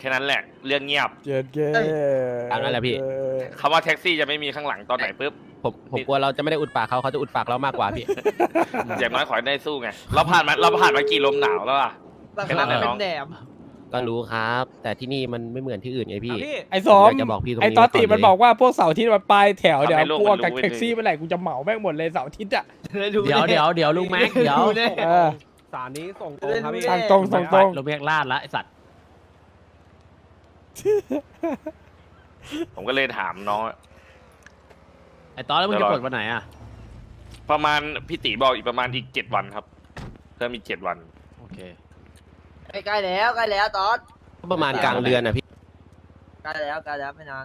Speaker 10: ค่นั้นแหละเรื่องเงียบ
Speaker 2: เจ็ดเก
Speaker 11: ตามนั้นแหละพี่
Speaker 10: คำว่าแท็กซี่จะไม่มีข้างหลังตอนไหนปุ๊บ
Speaker 11: ผมผมกลัวเราจะไม่ได้อุดปากเขาเขาจะอุดปากเรามากกว่าพี่
Speaker 10: อย่างน้อยขอให้ได้สู้ไงเราผ่านมาเราผ่านมากี่ลมหนาวแล้วอะ
Speaker 3: รา
Speaker 10: แค่
Speaker 3: คา
Speaker 10: นั้นแหละ
Speaker 3: เป็
Speaker 10: น้อง
Speaker 3: นแหนม
Speaker 11: ก็รู้ครับ แต่ที่นี่มันไม่เหมือนที่อื่นไงพี่
Speaker 9: อ่ะพี่
Speaker 2: ไอ้สม
Speaker 11: อยากจะบอกพี่ตรงนี้
Speaker 2: ไอ้ตอตติ
Speaker 11: ไว้ก่อน
Speaker 2: มัน
Speaker 11: เลย
Speaker 2: บอกว่าพวกเสาร์อาที่มันปลายแถวเดี๋ยว
Speaker 10: ทำให้โลก
Speaker 2: พวก
Speaker 10: มัน
Speaker 2: กับ
Speaker 10: รู้
Speaker 2: แท็กซี่
Speaker 10: ไว้
Speaker 2: เมื่อไหร่กูจะเหมาแม่งหมดเลยเสาร์อาทิตย์อ่ะ
Speaker 3: ดู
Speaker 11: เดี๋ยวเดี๋ยวเดี๋ยวลุงแม็กเดี๋ยว
Speaker 3: ดูแน่
Speaker 2: เออ
Speaker 9: สารนี้ส่งตรงครับพี่
Speaker 2: ทางตรงส่งตรง
Speaker 11: ลุงแม็กลาดละไอสัตว์
Speaker 10: ผมก็เลยถามน้อง
Speaker 11: ไอตอนแล้วมึงจะกดวันไหนอ่ะ
Speaker 10: ประมาณพี่ตีบอกอีกประมาณอีกเจ็ดวันครับเพิ่มอีกเจ็ดวัน
Speaker 11: โอเค
Speaker 3: ใกล้แล้วใกล้แล้วตอน
Speaker 11: ก็ประมาณกลางเดือนอ่ะพี่
Speaker 3: ใกล้แล้วใกล้แล้วไม่นาน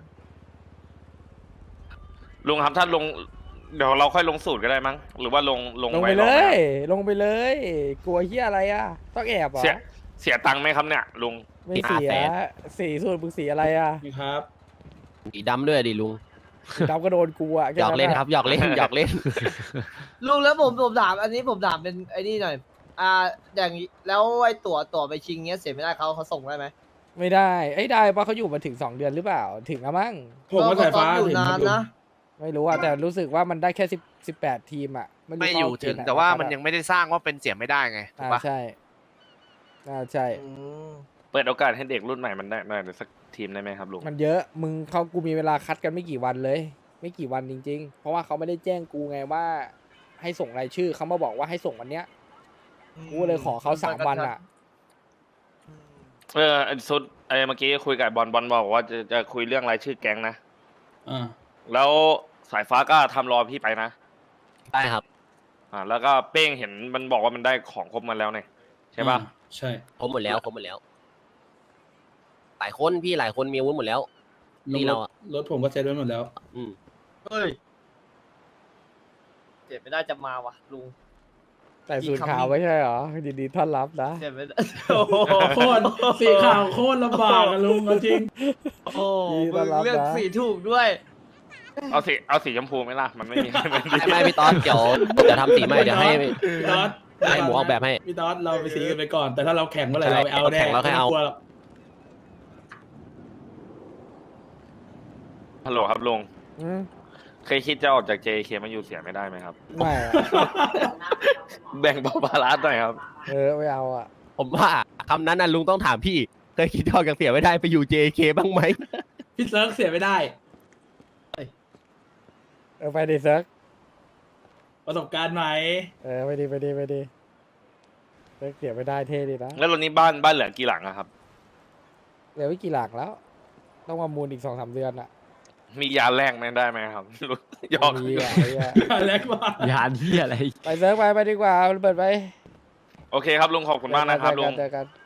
Speaker 10: ลุงครับถ้าลงเดี๋ยวเราค่อยลงสูตรก็ได้มั้งหรือว่าลงลง
Speaker 2: ลง
Speaker 10: ไว้
Speaker 2: ไป
Speaker 10: ร
Speaker 2: เล
Speaker 10: อบหน้า
Speaker 2: ย ลงไปเลย กลัวเฮียอะไรอ่ะ ต้องแอบเหรอ
Speaker 10: เสียเสียตังค์ไหมครับเนี่ยลุง
Speaker 2: ไม่เสีย สีสูตรมึงสีอะไรอ่ะ
Speaker 4: ครับ
Speaker 11: สีดำด้วยดิลุง
Speaker 2: ดำก็โดนกูอ่ะแ
Speaker 11: หยอกเล่นครับหยอกเล่นหยอกเล่น
Speaker 3: ลุงแล้วผมผมถามอันนี้ผมถามเป็นไอ้นี่หน่อย อ่าอย่างแล้วไอ้ตั๋วตั๋วไปชิงเงี้ยเสียไม่ได้เขาเขาส่งได้ไหม
Speaker 2: ไม่ได้ไอ้ยได้ปะเขาอยู่มาถึงสองเดือนหรือเปล่า ถึงแล้วมั้ง
Speaker 4: ผมก็สายฟ้า
Speaker 3: เขอยู่นานนะ
Speaker 2: ไม่รู้อ่ะแต่รู้สึกว่ามันได้แค่สิบสิบแปดทีมอ่ะรู้
Speaker 5: ไม่อยู่
Speaker 2: เข้าเก
Speaker 5: ถึ
Speaker 2: ณ
Speaker 5: ง
Speaker 2: ฑ์ไห
Speaker 5: แต่ว่ามันยังไม่ได้สร้างว่าเป็นเสียไม่ได้ไงถูก
Speaker 2: อ่า
Speaker 5: ปะ
Speaker 2: ใช่อ่าใช่
Speaker 3: อืม
Speaker 10: เปิดโอกาสให้เด็กรุ่นใหม่มันได้ได้สักทีมได้ไหมครับลุง
Speaker 2: มันเยอะ มึงเขากูมีเวลาคัดกันไม่กี่วันเลย ไม่กี่วันจริง ๆ เพราะว่าเขาไม่ได้แจ้งกูไงว่า ให้ส่งรายชื่อเขามาบอกว่าให้ส่งวันเนี้ย กูเลยขอเขาสามวันอ่ะ
Speaker 10: เออไอ้สุดไอ้เมื่อกี้คุยกับบอลบอลบอกว่าจะจะคุยเรื่องรายชื่อแก๊งนะ
Speaker 4: อ่า
Speaker 10: แล้วสายฟ้าก็ทำรอพี่ไปนะ
Speaker 11: ได้ครับ
Speaker 10: อ่าแล้วก็เป้งเห็นมันบอกว่ามันได้ของครบมาแล้วเนี่ยใช่ปะ
Speaker 4: ใช่
Speaker 11: ผมหมดแล้วผมหมดแล้ว หลายคนพี่หลายคนมีอาวุธหมดแล้วนี่เราอะ
Speaker 4: รถผมก็เซ็ตไว้หมดแล้ว
Speaker 11: อืม
Speaker 3: เฮ้ยเจ็บไม่ได้จะมาวะลุง
Speaker 2: แต่สูตรขาวไม่ใช่เหรอยินดีต้อนรับนะ
Speaker 3: เจ็บไม่ได้โอ้โห
Speaker 4: โคตรสีขาวโคตรลำบากอะลุงจริง
Speaker 3: โอ้โหมึงเลือกสีถูกด้วย
Speaker 10: เอาสีเอาสีชมพูไหมล่ะมันไม่มี มัน
Speaker 11: ไม่ไม่พี่ตอนเดี๋ยวเดี๋ยวทำสีใหม่เดี๋ยวให้
Speaker 4: พี่ต๊อด
Speaker 11: ให้หมูออกแบบให้
Speaker 4: พี่ต๊อดเราไปสีกันไปก่อน แต่ถ้าเราแข่งเมื่อไหร่เราไปเอาแน่
Speaker 11: แข่งเราค่อยเอา
Speaker 4: ไม่ต้งกลัวหรอก
Speaker 10: ฮัลโหลครับลุง
Speaker 2: อืม
Speaker 10: เคยคิดจะออกจาก เจ เค มาอยู่เสียไม่ได้ไหมครับ
Speaker 2: ไม่อะ
Speaker 10: แบ่งเบาภาระหน่อยครับ
Speaker 2: เออไม่เอาอ่ะ
Speaker 11: ผมว่าคำนั้นน่ะลุงต้องถามพี่เคยคิดออกจากเสียไม่ได้ไปอยู่ เจ เค บ้างไหม
Speaker 4: พี่เซิร์ฟเสียไม่ได้
Speaker 2: เออไปดิเซิร์ก
Speaker 4: ประสบการณ์ไหม
Speaker 2: เออไปดิไปดิไปดิเซิร์กเสียไม่ได้เท่ดีนะ
Speaker 10: แล้วตอนนี้บ้านบ้านเหลือกี่หลังอะครับ
Speaker 2: เหลือไม่กี่หลักแล้ว ต้องมามูลอีกสองสามเดือนอ่ะ
Speaker 10: มียาแรกไหมได้ไหมครับ ยอก
Speaker 2: มีอ่ะไอ้เหี้ย
Speaker 4: แรกว่า
Speaker 11: ยานที่อะไร
Speaker 2: ไปเซิร์กไปไปดีกว่าเปิดไป
Speaker 10: โอเคครับลุงขอบคุณมากนะครับลุง
Speaker 2: เจอกันเจอกัน